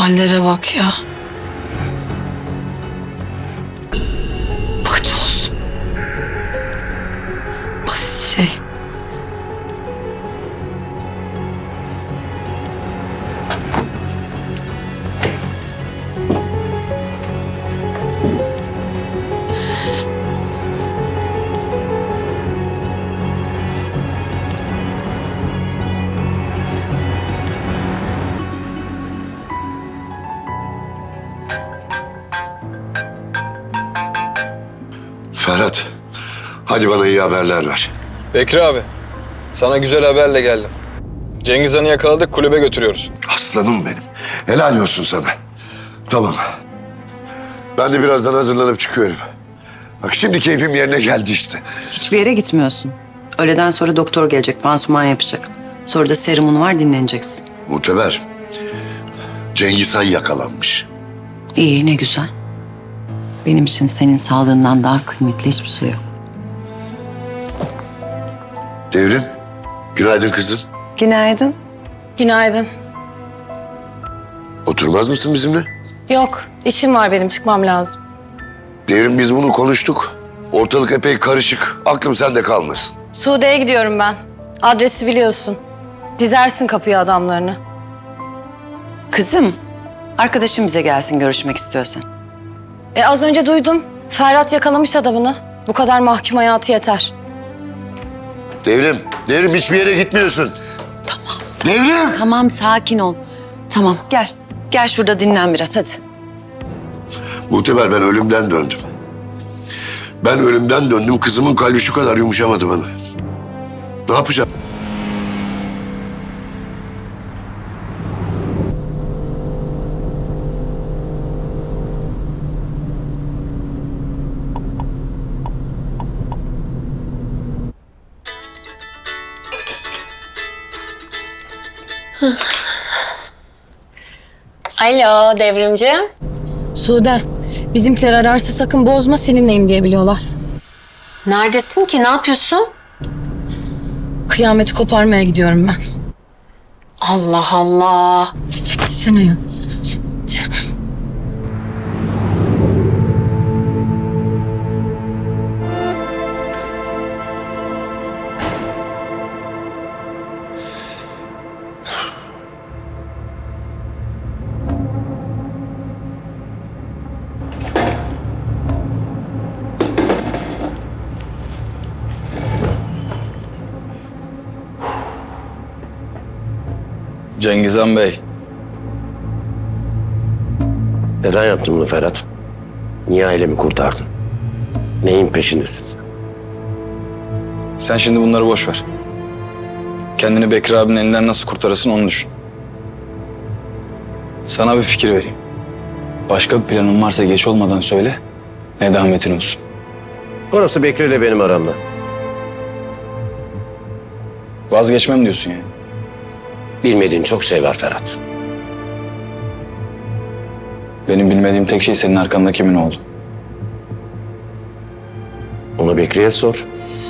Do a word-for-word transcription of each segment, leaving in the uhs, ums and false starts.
Hallere bak ya. Paçoz. Basit şey. Ferhat, hadi bana iyi haberler ver. Bekri abi, sana güzel haberle geldim. Cengiz Han'ı yakaladık, kulübe götürüyoruz. Aslanım benim. Helal olsun sana. Tamam. Ben de birazdan hazırlanıp çıkıyorum. Bak şimdi keyfim yerine geldi işte. Hiçbir yere gitmiyorsun. Öğleden sonra doktor gelecek, pansuman yapacak. Sonra da serumun var, dinleneceksin. Muhteber, Cengiz Han yakalanmış. İyi, ne güzel. Benim için senin sağlığından daha kıymetli hiçbir şey yok. Devrim, günaydın kızım. Günaydın. Günaydın. Oturmaz mısın bizimle? Yok, işim var benim, çıkmam lazım. Devrim, biz bunu konuştuk. Ortalık epey karışık. Aklım sende kalmasın. Sude'ye gidiyorum ben. Adresi biliyorsun. Dizersin kapıya adamlarını. Kızım, arkadaşım bize gelsin görüşmek istiyorsan. E az önce duydum. Ferhat yakalamış adamını. Bu kadar mahkum hayatı yeter. Devrim, Devrim hiçbir yere gitmiyorsun. Tamam. Devrim! Tamam, sakin ol. Tamam, gel. Gel şurada dinlen biraz, hadi. Muhteber, ben ölümden döndüm. Ben ölümden döndüm. Kızımın kalbi şu kadar yumuşamadı bana. Ne yapacağım? Alo Devrimci. Sude, bizimkiler ararsa sakın bozma, seninleyim diye biliyorlar. Neredesin ki? Ne yapıyorsun? Kıyameti koparmaya gidiyorum ben. Allah Allah. Çekilsene ya. Cengiz Han Bey, Neden yaptın bunu Ferhat? Niye ailemi kurtardın? Neyin peşindesin sen? sen şimdi bunları boş ver. Kendini Bekri abinin elinden nasıl kurtarırsın onu düşün. Sana bir fikir vereyim. Başka bir planın varsa geç olmadan söyle, nedametin olsun. Orası Bekri ile benim aramda. Vazgeçmem diyorsun yani. Bilmediğin çok şey var Ferhat. Benim bilmediğim tek şey senin arkanda kimin oldu. Onu Bekri'ye sor.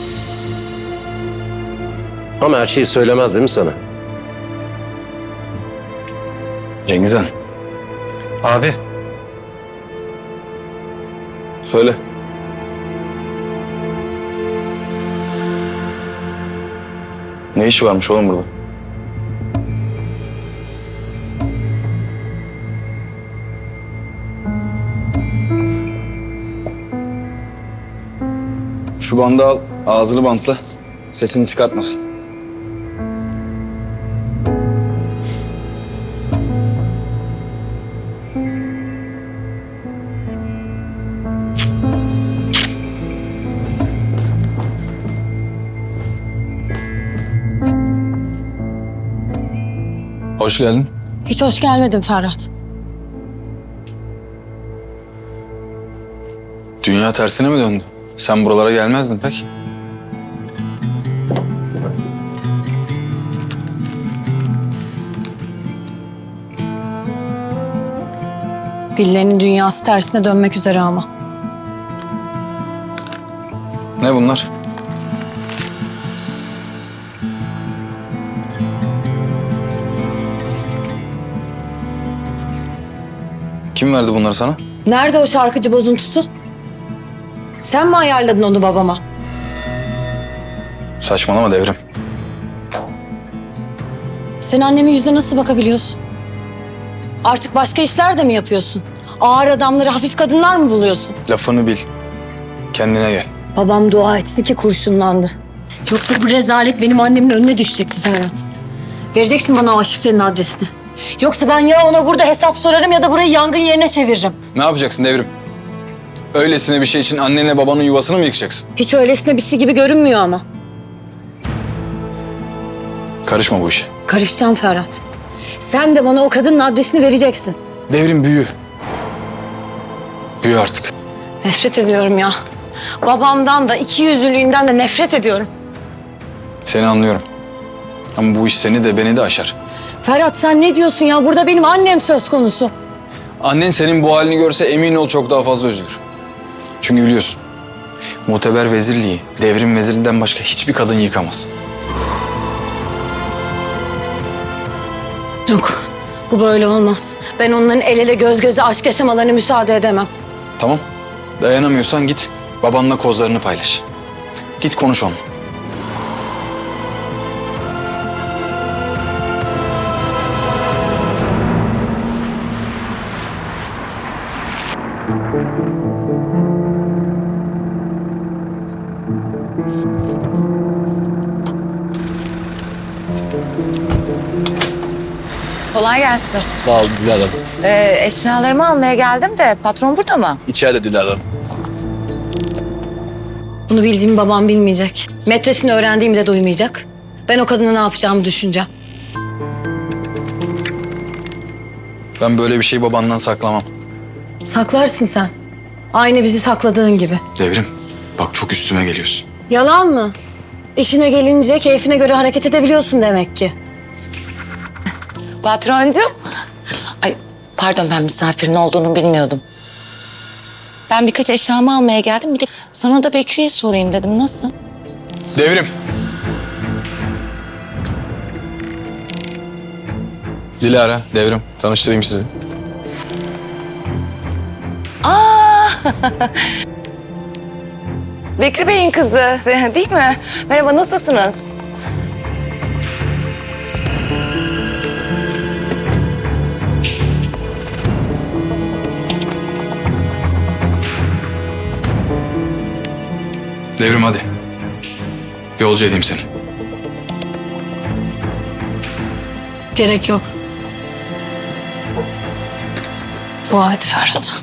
Ama her şeyi söylemez değil mi sana? Cengiz Han, Abi, söyle. Ne işi varmış oğlum burada? Şu bandı al, ağzını bantla. Sesini çıkartmasın. Hoş geldin. Hiç hoş gelmedin Ferhat. Dünya tersine mi döndü? Sen buralara gelmezdin pek. Birilerinin dünyası tersine dönmek üzere ama. Ne bunlar? Kim verdi bunları sana? Nerede o şarkıcı bozuntusu? Sen mi ayarladın onu babama? Saçmalama Devrim. Sen annemin yüzüne nasıl bakabiliyorsun? Artık başka işler de mi yapıyorsun? Ağır adamları hafif kadınlar mı buluyorsun? Lafını bil. Kendine gel. Babam dua etsin ki kurşunlandı. Yoksa bu rezalet benim annemin önüne düşecekti Ferhat. Vereceksin bana o şifrenin adresini. Yoksa ben ya ona burada hesap sorarım ya da burayı yangın yerine çeviririm. Ne yapacaksın Devrim? Öylesine bir şey için annenle babanın yuvasını mı yıkacaksın? Hiç öylesine bir şey gibi görünmüyor ama. Karışma bu işe. Karışacağım Ferhat. Sen de bana o kadının adresini vereceksin. Devrim büyü. Büyü artık. Nefret ediyorum ya. Babamdan da iki yüzlülüğünden de nefret ediyorum. Seni anlıyorum. Ama bu iş seni de beni de aşar. Ferhat sen ne diyorsun ya? Burada benim annem söz konusu. Annen senin bu halini görse emin ol çok daha fazla üzülür. Çünkü biliyorsun, muteber vezirliği Devrim vezirinden başka hiçbir kadın yıkamaz. Yok, bu böyle olmaz. Ben onların el ele göz göze aşk yaşamalarına müsaade edemem. Tamam, dayanamıyorsan git babanla kozlarını paylaş. Git konuş onunla. Kolay gelsin. Sağ ol Dilara Hanım. Ee, eşyalarımı almaya geldim de patron burada mı? İçeride Dilara Hanım. Bunu bildiğim babam bilmeyecek. Metresini öğrendiğimi de duymayacak. Ben o kadına ne yapacağımı düşüneceğim. Ben böyle bir şeyi babandan saklamam. Saklarsın sen. Aynı bizi sakladığın gibi. Devrim, bak çok üstüme geliyorsun. Yalan mı? İşine gelince keyfine göre hareket edebiliyorsun demek ki. Patroncum. Ay pardon ben misafirin olduğunu bilmiyordum. Ben birkaç eşyamı almaya geldim. Bir de sana da Bekri'ye sorayım dedim. Nasıl? Devrim. Dilara, Devrim. Tanıştırayım sizi. Aa! Bekri Bey'in kızı değil mi? Merhaba nasılsınız? Devrim hadi. Yolcu edeyim seni. Gerek yok. Dua et Ferhat.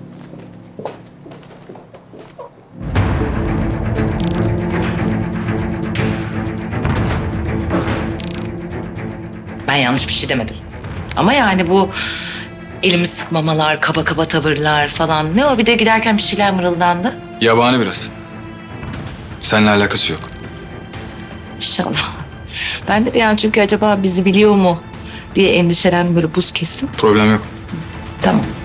Ben yanlış bir şey demedim. Ama yani bu elimi sıkmamalar, kaba kaba tavırlar falan. Ne o bir de giderken bir şeyler mırıldandı. Yabani biraz. Seninle alakası yok. İnşallah. Ben de bir an çünkü acaba bizi biliyor mu diye endişelendim böyle buz kestim. Problem yok. Tamam.